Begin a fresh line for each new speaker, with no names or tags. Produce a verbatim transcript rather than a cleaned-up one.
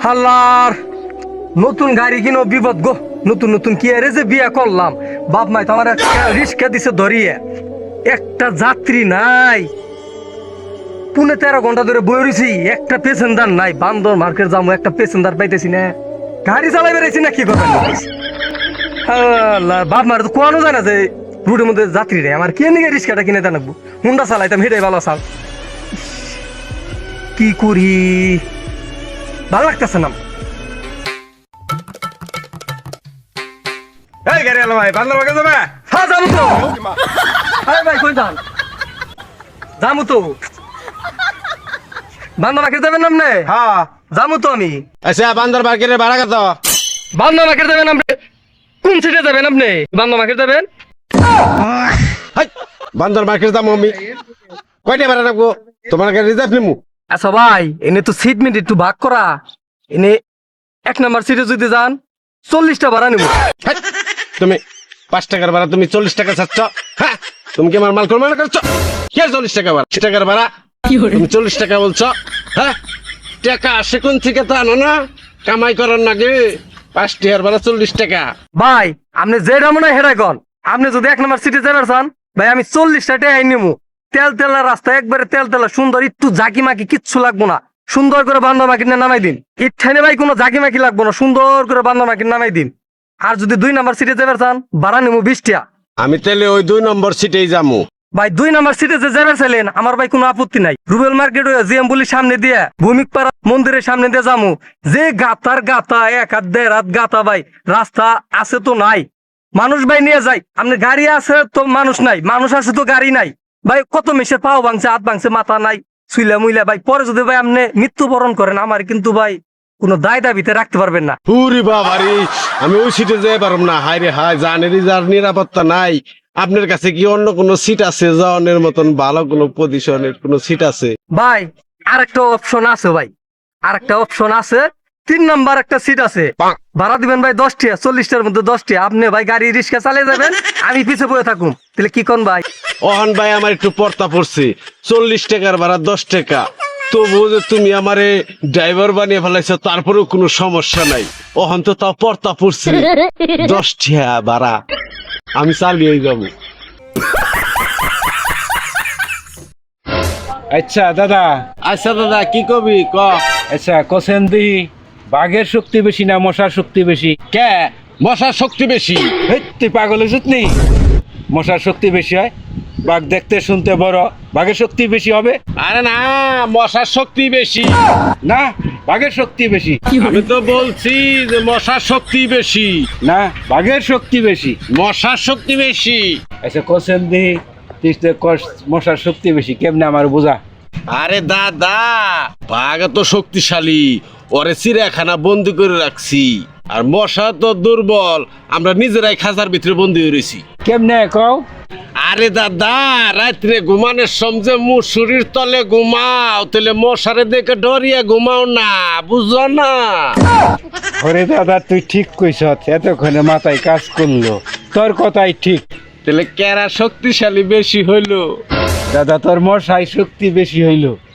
হাল্লার নতুন গাড়ি কিনো বিপদ গো। নতুন নতুন কি আরে যে বিয়া করলাম, বাপ মাই তো আমার একটা রিস্কা দিছে ধরিয়ে, একটা যাত্রী নাই। পুনে তেরো ঘন্টা ধরে বই রয়েছি, একটা পেসেঞ্জার নাই। বান্দর মার্কেট যাবো, একটা পেসেঞ্জার পাইতেছি না। গাড়ি চালাই বেড়াইছি না কি কথা। বাপ মার তো কোয়ানো যায় না যে রুটের মধ্যে যাত্রী রে, আমার কে নিয়ে রিস্কাটা কিনে দেন হুন্ডা চালাইতাম, হেঁটে ভালো চাল। কি করি ভালো লাগতেছে না।
এই গাড়ি আলো ভাই, বান্দর বাগে যাবে?
হ্যাঁ যাবো তো। আরে ভাই কই যান? যাবো তো। বান্দর মার্কেট যাবেন আপনি?
হ্যাঁ
যাবো তো আমি।
আচ্ছা, বান্দর বাগের ভাড়া কত?
বান্দর মার্কেট যাবেন আপনি? কোন সিটে যাবেন আপনি? বান্দর মার্কেট যাবেন?
হাই, বান্দর মার্কেট যাবো আমি। কয়টা ভাড়া রাখবো? তোমার গাড়ি রিজার্ভ নিমু।
আচ্ছা ভাই, এনে তো সিট মিট একটু ভাগ করা। এনে এক নাম্বার সিটে যদি যান চল্লিশটা ভাড়া নিব।
হাই, তুমি পাঁচ টাকার ভাড়া তুমি চল্লিশ টাকা চাচ্ছ? হ্যাঁ, তুমি কি আমার মাল কর্ম করছো? কে চল্লিশ টাকা ভাড়া? টাকার ভাড়া তুমি চল্লিশ টাকা বলছো? হ্যাঁ, টাকা আসে কোন থেকে তা আনো না, কামাই করার নাকি? পাঁচ টাকার ভাড়া চল্লিশ টাকা।
ভাই আপনি যেটা মনে হয় হেরাই কন। আপনি যদি এক নাম্বার সিটে যাবেন চান ভাই, আমি চল্লিশটা টাকা নিবো। তেল তেলা রাস্তা, একবারে তেল তেলা সুন্দর, একটু জাকি মাকি কিচ্ছু লাগবো না। সুন্দর করে বান্দর মার্কেট নামাই দিন। ইঠানে ভাই কোনো জাকি মাকি লাগবো না, সুন্দর করে বান্দর মার্কেট নামাই দিন। আর যদি দুই নাম্বার সিটে যাবেন চান ভাড়া নিবো বিশ টাকা।
আমি তাহলে ওই দুই নম্বর সিটেই যাবো।
ভাই দুই নাম্বার সিটে যে যাবেন চাইলেন আমার ভাই কোনো আপত্তি নাই। রুবেল মার্কেট হয়ে জিএম বলির সামনে দিয়ে ভূমিক পাড়া মন্দিরের সামনে দিয়ে যাবো। যে গাতার গাতা, এক হাত দেড় হাত গাতা ভাই, রাস্তা আছে তো নাই। মানুষ ভাই নিয়ে যাই, আপনি গাড়ি আছে তো মানুষ নাই, মানুষ আছে তো গাড়ি নাই। ভাই কত মেশে পাও ভাঙছে, হাত ভাঙছে, মাথা নাই, শুইলা মুইলা। ভাই পরে যদি ভাই আপনি মৃত্যুবরণ করেন আমার কিন্তু ভাই কোনো দায় দাবিতে রাখতে পারবেন না।
পুরি বাবারি, আমি ওই সিটে যেতে পারব না। হায় রে হায়, জানেরই যার নিরাপত্তা নাই। আপনার কাছে কি অন্য কোনো সিট আছে? জনের মতন ভালো কোনো পজিশনের কোনো সিট আছে?
ভাই আরেকটা অপশন আছে ভাই, আরেকটা অপশন আছে। তিন নাম্বার একটা সিট আছে, ভাড়া দিবেন ভাই দশ টাকা, চল্লিশটার মধ্যে দশ টাকা। আপনি ভাই গাড়ি রিক্সা চালিয়ে যাবেন, আমি পিছে বয়ে থাকুন। তাহলে কি কোন ভাই?
ওহন ভাই আমার একটু পর্তা পড়ছে, চল্লিশ টাকার ভাড়া দশ টাকা। তবুও যে তুমি আমারে ড্রাইভার বানিয়ে ফেলাইছো, তারপরেও কোনো সমস্যা নাই। ওহন তো তাও পর্তা পড়ছে, দশ টাকা ভাড়া আমি চালিয়ে যাবো।
আচ্ছা দাদা,
আচ্ছা দাদা, কি কবি ক?
আচ্ছা কোসেন দিহি বাঘের শক্তি বেশি না মশার শক্তি বেশি?
কে মশার শক্তি বেশি?
হেই, তুই পাগল হয়েছিস নি? মশার শক্তি বেশি হয়, বাঘ দেখতে শুনতে বড়, বাঘের শক্তি বেশি হবে?
আরে না, মশার শক্তি বেশি।
না, বাঘের শক্তি বেশি।
আমি তো বলছি যে মশার শক্তি বেশি।
না, বাঘের শক্তি বেশি।
মশার শক্তি বেশি।
আচ্ছা কোসেন দিহি তুই তো কস মশার শক্তি বেশি, কেমনে আমার বোঝা?
আরে দাদা, বাঘ তো শক্তিশালী, ওরে চিড়িয়াখানা বন্দি করে রাখছি। আর মশা তো দুর্বল, আমরা নিজেরাই খাঁচার ভিতরে বন্দি হয়ে রয়েছি।
কেমনে কও?
আরে দাদা, রাত্রে ঘুমানোর সময় মুসুরির তলে ঘুমাও, তাহলে মশারে দেখে ডরিয়া ঘুমাও না, বুঝো না?
ওরে দাদা তুই ঠিক কইছ, এতক্ষণে মাথায় কাজ করলো, তোর কথাই ঠিক।
তাহলে কেরা শক্তিশালী বেশি হইলো?
দাদা তোর মশাই শক্তি বেশি হইলো।